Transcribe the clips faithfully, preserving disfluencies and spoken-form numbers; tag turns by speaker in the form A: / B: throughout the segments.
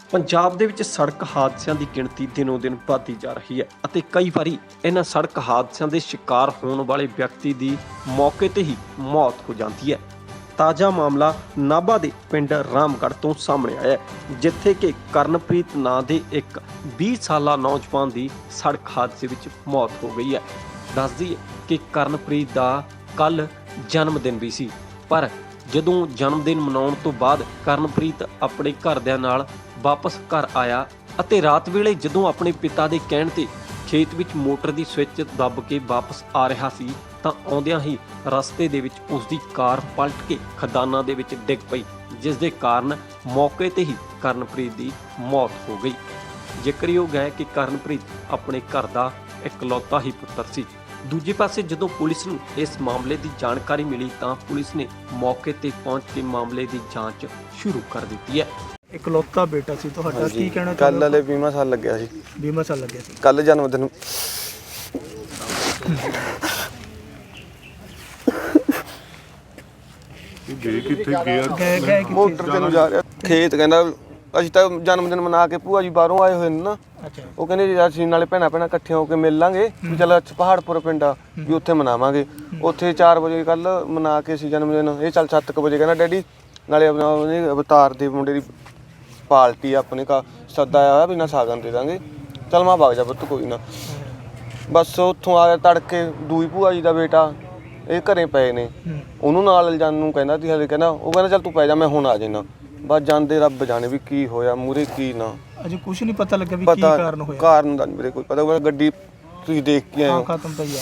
A: ਪੰਜਾਬ ਦੇ ਵਿੱਚ ਸੜਕ ਹਾਦਸਿਆਂ ਦੀ ਗਿਣਤੀ ਦਿਨੋਂ ਦਿਨ ਵਧਦੀ ਜਾ ਰਹੀ ਹੈ ਅਤੇ ਕਈ ਵਾਰੀ ਇਹਨਾਂ ਸੜਕ ਹਾਦਸਿਆਂ ਦੇ ਸ਼ਿਕਾਰ ਹੋਣ ਵਾਲੇ ਵਿਅਕਤੀ ਦੀ ਮੌਕੇ ਤੇ ਹੀ ਮੌਤ ਹੋ ਜਾਂਦੀ ਹੈ। ਤਾਜ਼ਾ ਮਾਮਲਾ ਨਾਭਾ ਦੇ ਪਿੰਡ ਰਾਮਗੜ੍ਹ ਤੋਂ ਸਾਹਮਣੇ ਆਇਆ ਹੈ, ਜਿੱਥੇ ਕਿ ਕਰਨਪ੍ਰੀਤ ਨਾਂ ਦੇ ਇੱਕ ਵੀਹ ਸਾਲਾ ਨੌਜਵਾਨ ਦੀ ਸੜਕ ਹਾਦਸੇ ਵਿੱਚ ਮੌਤ ਹੋ ਗਈ ਹੈ। ਦੱਸ ਦਈਏ ਕਿ ਕਰਨਪ੍ਰੀਤ ਦਾ ਕੱਲ ਜਨਮ ਦਿਨ ਵੀ ਸੀ, ਪਰ ਜਦੋਂ ਜਨਮ ਦਿਨ ਮਨਾਉਣ ਤੋਂ ਬਾਅਦ ਕਰਨਪ੍ਰੀਤ ਆਪਣੇ ਘਰਦਿਆਂ ਨਾਲ ਵਾਪਸ ਘਰ ਆਇਆ ਅਤੇ ਰਾਤ ਵੇਲੇ ਜਦੋਂ ਆਪਣੇ ਪਿਤਾ ਦੇ ਕਹਿਣ ਤੇ ਖੇਤ ਵਿੱਚ ਮੋਟਰ ਦੀ ਸਵਿੱਚ ਦੱਬ ਕੇ ਵਾਪਸ ਆ ਰਿਹਾ ਸੀ ਤਾਂ ਆਉਂਦਿਆਂ ਹੀ ਰਸਤੇ ਦੇ ਵਿੱਚ ਉਸ ਦੀ ਕਾਰ ਪਲਟ ਕੇ ਖਦਾਨਾਂ ਦੇ ਵਿੱਚ ਡਿੱਗ ਪਈ, ਜਿਸ ਦੇ ਕਾਰਨ ਮੌਕੇ ਤੇ ਹੀ ਕਰਨਪ੍ਰੀਤ ਦੀ ਮੌਤ ਹੋ ਗਈ। ਜ਼ਿਕਰਯੋਗ ਹੈ ਕਿ ਕਰਨਪ੍ਰੀਤ ਆਪਣੇ ਘਰ ਦਾ ਇਕਲੌਤਾ ਹੀ ਪੁੱਤਰ ਸੀ। ਦੂਜੇ ਪਾਸੇ ਜਦੋਂ ਪੁਲਿਸ ਨੂੰ ਇਸ ਮਾਮਲੇ ਦੀ ਜਾਣਕਾਰੀ ਮਿਲੀ ਤਾਂ ਪੁਲਿਸ ਨੇ ਮੌਕੇ ਤੇ ਪਹੁੰਚ ਕੇ ਮਾਮਲੇ ਦੀ ਜਾਂਚ ਸ਼ੁਰੂ ਕਰ ਦਿੱਤੀ ਹੈ।
B: ਇਕਲੌਤਾ ਬੇਟਾ ਸੀ ਤੁਹਾਡਾ, ਕੀ ਕਹਿਣਾ
C: ਕੱਲ
B: ਚਾਹੁੰਦੇ
C: ਵਾਲੇ ਵੀਹ ਸਾਲ ਲੱਗਿਆ ਸੀ,
B: ਵੀਹ ਸਾਲ ਲੱਗਿਆ ਸੀ
C: ਕੱਲ ਜਨਮ ਦਿਨ
D: ਗਏ ਕਿੱਥੇ ਗਿਆ
B: ਗਏ ਗਏ
C: ਮੋਟਰ ਤੇ ਨੂੰ ਜਾ ਰਿਹਾ ਖੇਤ। ਕਹਿੰਦਾ ਅਸੀਂ ਤਾਂ ਜਨਮ ਦਿਨ ਮਨਾ ਕੇ ਭੂਆ ਜੀ ਬਾਹਰੋਂ ਆਏ ਹੋਏ ਨੇ ਨਾ,
B: ਅੱਛਾ
C: ਉਹ ਕਹਿੰਦੇ ਜੀ ਅਸੀਂ ਨਾਲੇ ਭੈਣਾਂ ਭੈਣਾਂ ਇਕੱਠੇ ਹੋ ਕੇ ਮਿਲ ਲਾਂਗੇ ਵੀ ਚੱਲ ਪਹਾੜਪੁਰ ਪਿੰਡ ਆ ਵੀ ਉੱਥੇ ਮਨਾਵਾਂਗੇ। ਉੱਥੇ ਚਾਰ ਵਜੇ ਕੱਲ ਮਨਾ ਕੇ ਸੀ ਜਨਮ ਦਿਨ। ਇਹ ਚੱਲ ਸੱਤ ਕੁ ਵਜੇ ਕਹਿੰਦਾ ਡੈਡੀ ਨਾਲੇ ਆਪਣਾ ਉਹਨੇ ਅਵਤਾਰ ਦੇ ਮੁੰਡੇ ਦੀ ਪਾਰਟੀ ਆਪਣੇ ਕਾ ਸੱਦਾ ਆਇਆ ਹੋਇਆ ਵੀ ਨਾ ਸਾਗਨ ਦੇ ਦਾਂਗੇ। ਚੱਲ ਮੈਂ ਵਗ ਜਾ ਪੁੱਤ ਕੋਈ ਨਾ। ਬਸ ਉੱਥੋਂ ਆ ਤੜਕੇ ਦੂਈ ਭੂਆ ਜੀ ਦਾ ਬੇਟਾ ਇਹ ਘਰੇ ਪਏ ਨੇ, ਉਹਨੂੰ ਨਾਲ ਲਿਜਾਣ ਨੂੰ ਕਹਿੰਦਾ ਸੀ ਹਲੇ, ਕਹਿੰਦਾ ਉਹ ਕਹਿੰਦਾ ਚੱਲ ਤੂੰ ਪੈ ਜਾ ਮੈਂ ਹੁਣ ਆ ਜਾਣਾ। ਬਸ ਜਾਂਦੇ ਰੱਬ ਜਾਣੇ ਵੀ ਕੀ ਹੋਇਆ ਮੂਰੇ ਕੀ ਨਾ।
B: ਅਜੇ ਕੁਝ ਨਹੀਂ ਪਤਾ ਲੱਗਾ ਵੀ ਕੀ
C: ਪਤਾ
B: ਕਾਰਨ ਹੋਇਆ।
C: ਕਾਰਨ ਦਾ ਨਹੀਂ ਵੀਰੇ ਕੋਈ ਪਤਾ। ਉਹ ਗੱਡੀ ਤੁਸੀਂ ਦੇਖ ਕੇ ਆਏ
B: ਹਾਂ
C: ਹੋ।
B: ਖਤਮ ਪਈ ਆ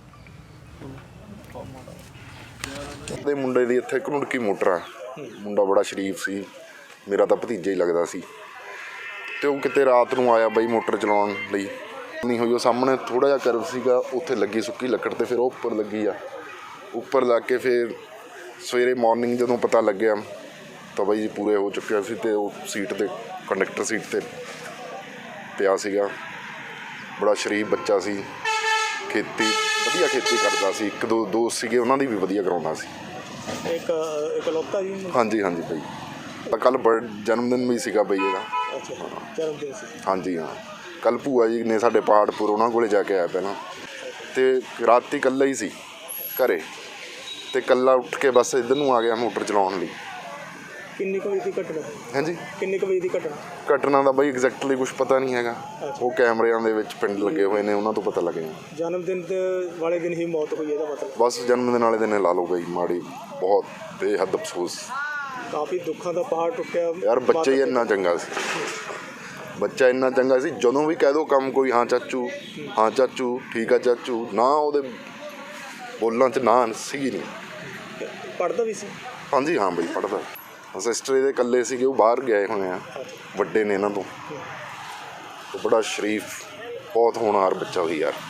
D: ਦੇ ਮੁੰਡੇ ਦੀ ਇੱਥੇ ਘੜੁੰਡਕੀ ਮੋਟਰ ਆ। ਮੁੰਡਾ ਬੜਾ ਸ਼ਰੀਫ ਸੀ, ਮੇਰਾ ਤਾਂ ਭਤੀਜਾ ਹੀ ਲੱਗਦਾ ਸੀ। ਤੇ ਉਹ ਕਿਤੇ ਰਾਤ ਨੂੰ ਆਇਆ ਬਈ ਮੋਟਰ ਚਲਾਉਣ ਲਈ, ਨਹੀਂ ਹੋਈ ਉਹ ਸਾਹਮਣੇ ਥੋੜਾ ਜਿਹਾ ਕਰਵ ਸੀਗਾ, ਉੱਥੇ ਲੱਗੀ ਸੁੱਕੀ ਲੱਕੜ ਤੇ ਫਿਰ ਉਹ ਉੱਪਰ ਲੱਗੀ ਆ। ਉੱਪਰ ਲੱਗ ਕੇ ਫਿਰ ਸਵੇਰੇ ਮਾਰਨਿੰਗ ਜਦੋਂ ਪਤਾ ਲੱਗਿਆ ਤਾਂ ਬਾਈ ਜੀ ਪੂਰੇ ਹੋ ਚੁੱਕਿਆ ਸੀ ਤੇ ਉਹ ਸੀਟ ਤੇ ਕੰਡਕਟਰ ਸੀਟ ਤੇ ਪਿਆ ਸੀਗਾ। ਬੜਾ ਸ਼ਰੀਫ ਬੱਚਾ ਸੀ, ਖੇਤੀ ਵਧੀਆ ਖੇਤੀ ਕਰਦਾ ਸੀ। ਇੱਕ ਦੋ ਦੋਸਤ ਸੀਗੇ ਉਹਨਾਂ ਦੀ ਵੀ ਵਧੀਆ ਕਰਾਉਂਦਾ ਸੀ।
B: ਇੱਕ ਇਕਲੌਤਾ ਜੀ।
D: ਹਾਂਜੀ ਹਾਂਜੀ ਬਾਈ ਕੱਲ ਬਰਥ ਜਨਮ ਦਿਨ ਵੀ ਸੀਗਾ ਬਈ ਇਹਦਾ।
B: ਅੱਛਾ ਜਨਮ ਦਿਨ ਸੀ।
D: ਹਾਂਜੀ ਹਾਂ, ਕੱਲ ਭੂਆ ਜੀ ਨੇ ਸਾਡੇ ਪਹਾੜਪੁਰ ਉਹਨਾਂ ਕੋਲੇ ਜਾ ਕੇ ਆਇਆ ਪਹਿਲਾਂ, ਤੇ ਰਾਤੀ ਇਕੱਲਾ ਹੀ ਸੀ ਘਰੇ, ਤੇ ਇਕੱਲਾ ਉੱਠ ਕੇ ਬਸ ਇੱਧਰ ਨੂੰ ਆ ਗਿਆ ਮੋਟਰ ਚਲਾਉਣ ਲਈ।
B: ਕਿੰਨੀ ਕੁ ਵਜੇ ਦੀ ਘਟਨਾ?
D: ਹਾਂਜੀ
B: ਕਿੰਨੀ ਕੁ ਵਜੇ ਦੀ ਘਟਨਾ?
D: ਘਟਨਾ ਦਾ ਬਈ ਐਗਜ਼ੈਕਟਲੀ ਕੁਛ ਪਤਾ ਨਹੀਂ ਹੈਗਾ, ਉਹ ਕੈਮਰਿਆਂ ਦੇ ਵਿੱਚ ਪਿੰਡ ਲੱਗੇ ਹੋਏ ਨੇ ਉਹਨਾਂ ਤੋਂ ਪਤਾ ਲੱਗਿਆ।
B: ਜਨਮ ਦਿਨ ਦੇ ਵਾਲੇ ਦਿਨ ਹੀ ਮੌਤ ਹੋਈ ਇਹਦਾ ਮਤਲਬ?
D: ਬਸ ਜਨਮ ਦਿਨ ਵਾਲੇ ਦਿਨ ਲਾ ਲਓ ਬਈ, ਮਾੜੀ ਬਹੁਤ ਬੇਹੱਦ ਅਫਸੋਸ।
B: ਕਾਫੀ ਦੁੱਖਾਂ ਦਾ ਪਹਾੜ ਟੁੱਟਿਆ
D: ਯਾਰ ਬੱਚਾ ਹੀ ਇੰਨਾ ਚੰਗਾ ਸੀ, ਬੱਚਾ ਇੰਨਾ ਚੰਗਾ ਸੀ। ਜਦੋਂ ਵੀ ਕਹਿ ਦੋ ਕੰਮ ਕੋਈ ਹਾਂ ਚਾਚੂ ਹਾਂ ਚਾਚੂ ਠੀਕ ਆ ਚਾਚੂ, ਨਾ ਉਹਦੇ ਬੋਲਾਂ 'ਚ ਨਾ ਸੀ ਨਹੀਂ।
B: ਪੜ੍ਹਦਾ ਵੀ ਸੀ? ਹਾਂਜੀ
D: ਹਾਂ ਬਈ ਪੜ੍ਹਦਾ। ਸਿਸਟਰ ਇਹਦੇ ਇਕੱਲੇ ਸੀਗੇ, ਉਹ ਬਾਹਰ ਗਏ ਹੋਏ ਆ, ਵੱਡੇ ਨੇ ਇਹਨਾਂ ਤੋਂ। ਤੇ ਬੜਾ ਸ਼ਰੀਫ ਬਹੁਤ ਹੋਣਹਾਰ ਬੱਚਾ ਸੀ ਯਾਰ।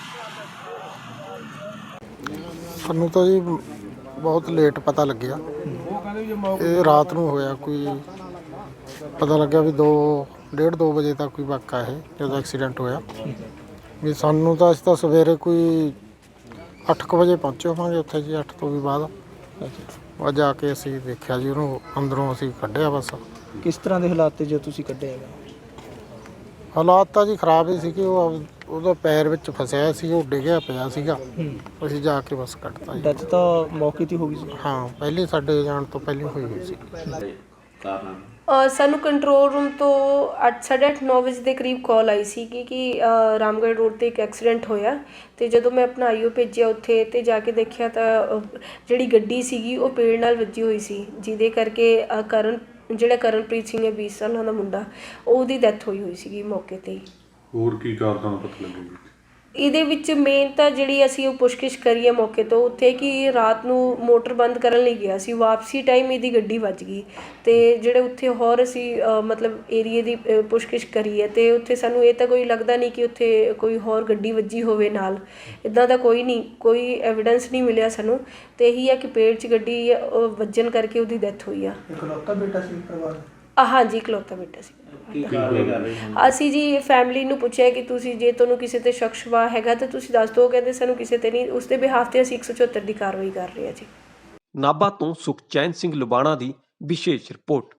E: ਸਾਨੂੰ ਤਾਂ ਜੀ ਬਹੁਤ ਲੇਟ ਪਤਾ ਲੱਗਿਆ, ਇਹ ਰਾਤ ਨੂੰ ਹੋਇਆ। ਕੋਈ ਪਤਾ ਲੱਗਿਆ ਵੀ ਦੋ ਡੇਢ ਦੋ ਵਜੇ ਤੱਕ ਕੋਈ ਵਾਕਾ ਇਹ ਜਦੋਂ ਐਕਸੀਡੈਂਟ ਹੋਇਆ ਵੀ ਸਾਨੂੰ ਤਾਂ ਅਸੀਂ ਤਾਂ ਸਵੇਰੇ ਕੋਈ ਅੱਠ ਕੁ ਵਜੇ ਪਹੁੰਚੇ ਹੋਵਾਂਗੇ ਉੱਥੇ ਜੀ, ਅੱਠ ਤੋਂ ਵੀ ਬਾਅਦ ਉਹ ਜਾ ਕੇ ਅਸੀਂ ਦੇਖਿਆ ਜੀ ਉਹਨੂੰ ਅੰਦਰੋਂ ਅਸੀਂ ਕੱਢਿਆ। ਬਸ
B: ਕਿਸ ਤਰ੍ਹਾਂ ਦੇ ਹਾਲਾਤ ਤੇ ਜੇ ਤੁਸੀਂ ਕੱਢਿਆ ਹੈਗਾ?
E: ਹਾਲਾਤ ਤਾਂ ਜੀ ਖਰਾਬ ਹੀ ਸੀ ਕਿ ਉਹ ਉਹਦਾ ਪੈਰ ਵਿੱਚ ਫਸਿਆ ਸੀ, ਉਹ ਡਿੱਗਿਆ ਪਿਆ ਸੀਗਾ। ਅਸੀਂ ਜਾ ਕੇ ਬਸ ਕੱਢਤਾ ਜੀ।
B: ਡੈਥ ਤਾਂ ਮੌਕੇ 'ਤੇ ਹੋ ਗਈ ਸੀ?
E: ਹਾਂ ਪਹਿਲੇ ਸਾਡੇ ਜਾਣ ਤੋਂ ਪਹਿਲਾਂ ਹੋਈ ਹੋਈ ਸੀ।
F: ਸਾਨੂੰ ਕੰਟਰੋਲ ਰੂਮ ਤੋਂ ਅੱਠ ਸਾਢੇ ਅੱਠ ਨੌ ਵਜੇ ਦੇ ਕਰੀਬ ਕਾਲ ਆਈ ਸੀ ਕਿ ਕਿ ਰਾਮਗੜ੍ਹ ਰੋਡ 'ਤੇ ਇੱਕ ਐਕਸੀਡੈਂਟ ਹੋਇਆ। ਅਤੇ ਜਦੋਂ ਮੈਂ ਆਪਣਾ ਆਈ ਓ ਭੇਜਿਆ ਉੱਥੇ ਅਤੇ ਜਾ ਕੇ ਦੇਖਿਆ ਤਾਂ ਜਿਹੜੀ ਗੱਡੀ ਸੀਗੀ ਉਹ ਪੇੜ ਨਾਲ ਵੱਜੀ ਹੋਈ ਸੀ, ਜਿਹਦੇ ਕਰਕੇ ਕਰਨ ਜਿਹੜਾ ਕਰਨਪ੍ਰੀਤ ਸਿੰਘ ਹੈ ਵੀਹ ਸਾਲਾਂ ਦਾ ਮੁੰਡਾ, ਉਹਦੀ ਡੈਥ ਹੋਈ ਹੋਈ ਸੀਗੀ ਮੌਕੇ 'ਤੇ ਹੀ।
D: ਹੋਰ ਕੀ ਕਾਰਨ ਪਤਾ ਲੱਗੇਗਾ
F: ਇਹਦੇ ਵਿੱਚ ਮੇਨ ਤਾਂ ਜਿਹੜੀ ਅਸੀਂ ਉਹ ਪੁੱਛਗਿੱਛ ਕਰੀ ਹੈ ਮੌਕੇ ਤੋਂ ਉੱਥੇ ਕਿ ਰਾਤ ਨੂੰ ਮੋਟਰ ਬੰਦ ਕਰਨ ਲਈ ਗਿਆ ਸੀ, ਵਾਪਸੀ ਟਾਈਮ ਇਹਦੀ ਗੱਡੀ ਵੱਜ ਗਈ। ਅਤੇ ਜਿਹੜੇ ਉੱਥੇ ਹੋਰ ਅਸੀਂ ਮਤਲਬ ਏਰੀਏ ਦੀ ਪੁੱਛਗਿੱਛ ਕਰੀ ਹੈ ਅਤੇ ਉੱਥੇ ਸਾਨੂੰ ਇਹ ਤਾਂ ਕੋਈ ਲੱਗਦਾ ਨਹੀਂ ਕਿ ਉੱਥੇ ਕੋਈ ਹੋਰ ਗੱਡੀ ਵੱਜੀ ਹੋਵੇ ਨਾਲ, ਇੱਦਾਂ ਦਾ ਕੋਈ ਨਹੀਂ, ਕੋਈ ਐਵੀਡੈਂਸ ਨਹੀਂ ਮਿਲਿਆ ਸਾਨੂੰ। ਅਤੇ ਇਹੀ ਹੈ ਕਿ ਪੇੜ 'ਚ ਗੱਡੀ ਵੱਜਣ ਕਰਕੇ ਉਹਦੀ ਡੈਥ ਹੋਈ ਆ।
B: ਇਕਲੌਤਾ ਬੇਟਾ ਸੀ ਪਰਿਵਾਰ?
F: ਹਾਂਜੀ ਇਕਲੌਤਾ ਬੇਟਾ ਸੀ। ਅਸੀਂ ਜੀ ਫੈਮਿਲੀ ਨੂੰ ਪੁੱਛਿਆ ਕਿ ਤੁਸੀਂ ਜੇ ਤੁਹਾਨੂੰ ਕਿਸੇ 'ਤੇ ਸ਼ੱਕ ਸ਼ੁਬਾ ਹੈਗਾ ਤਾਂ ਤੁਸੀਂ ਦੱਸ ਦਿਓ। ਕਹਿੰਦੇ ਸਾਨੂੰ ਕਿਸੇ 'ਤੇ ਨਹੀਂ, ਉਸ ਦੇ ਬਿਹਾਫ 'ਤੇ ਅਸੀਂ ਇੱਕ ਸੌ ਚੁਹੱਤਰ ਦੀ ਕਾਰਵਾਈ ਕਰ ਰਹੇ ਹਾਂ ਜੀ।
A: ਨਾਭਾ ਤੋਂ ਸੁਖਚੈਨ ਸਿੰਘ ਲੁਬਾਣਾ ਦੀ ਵਿਸ਼ੇਸ਼ ਰਿਪੋਰਟ।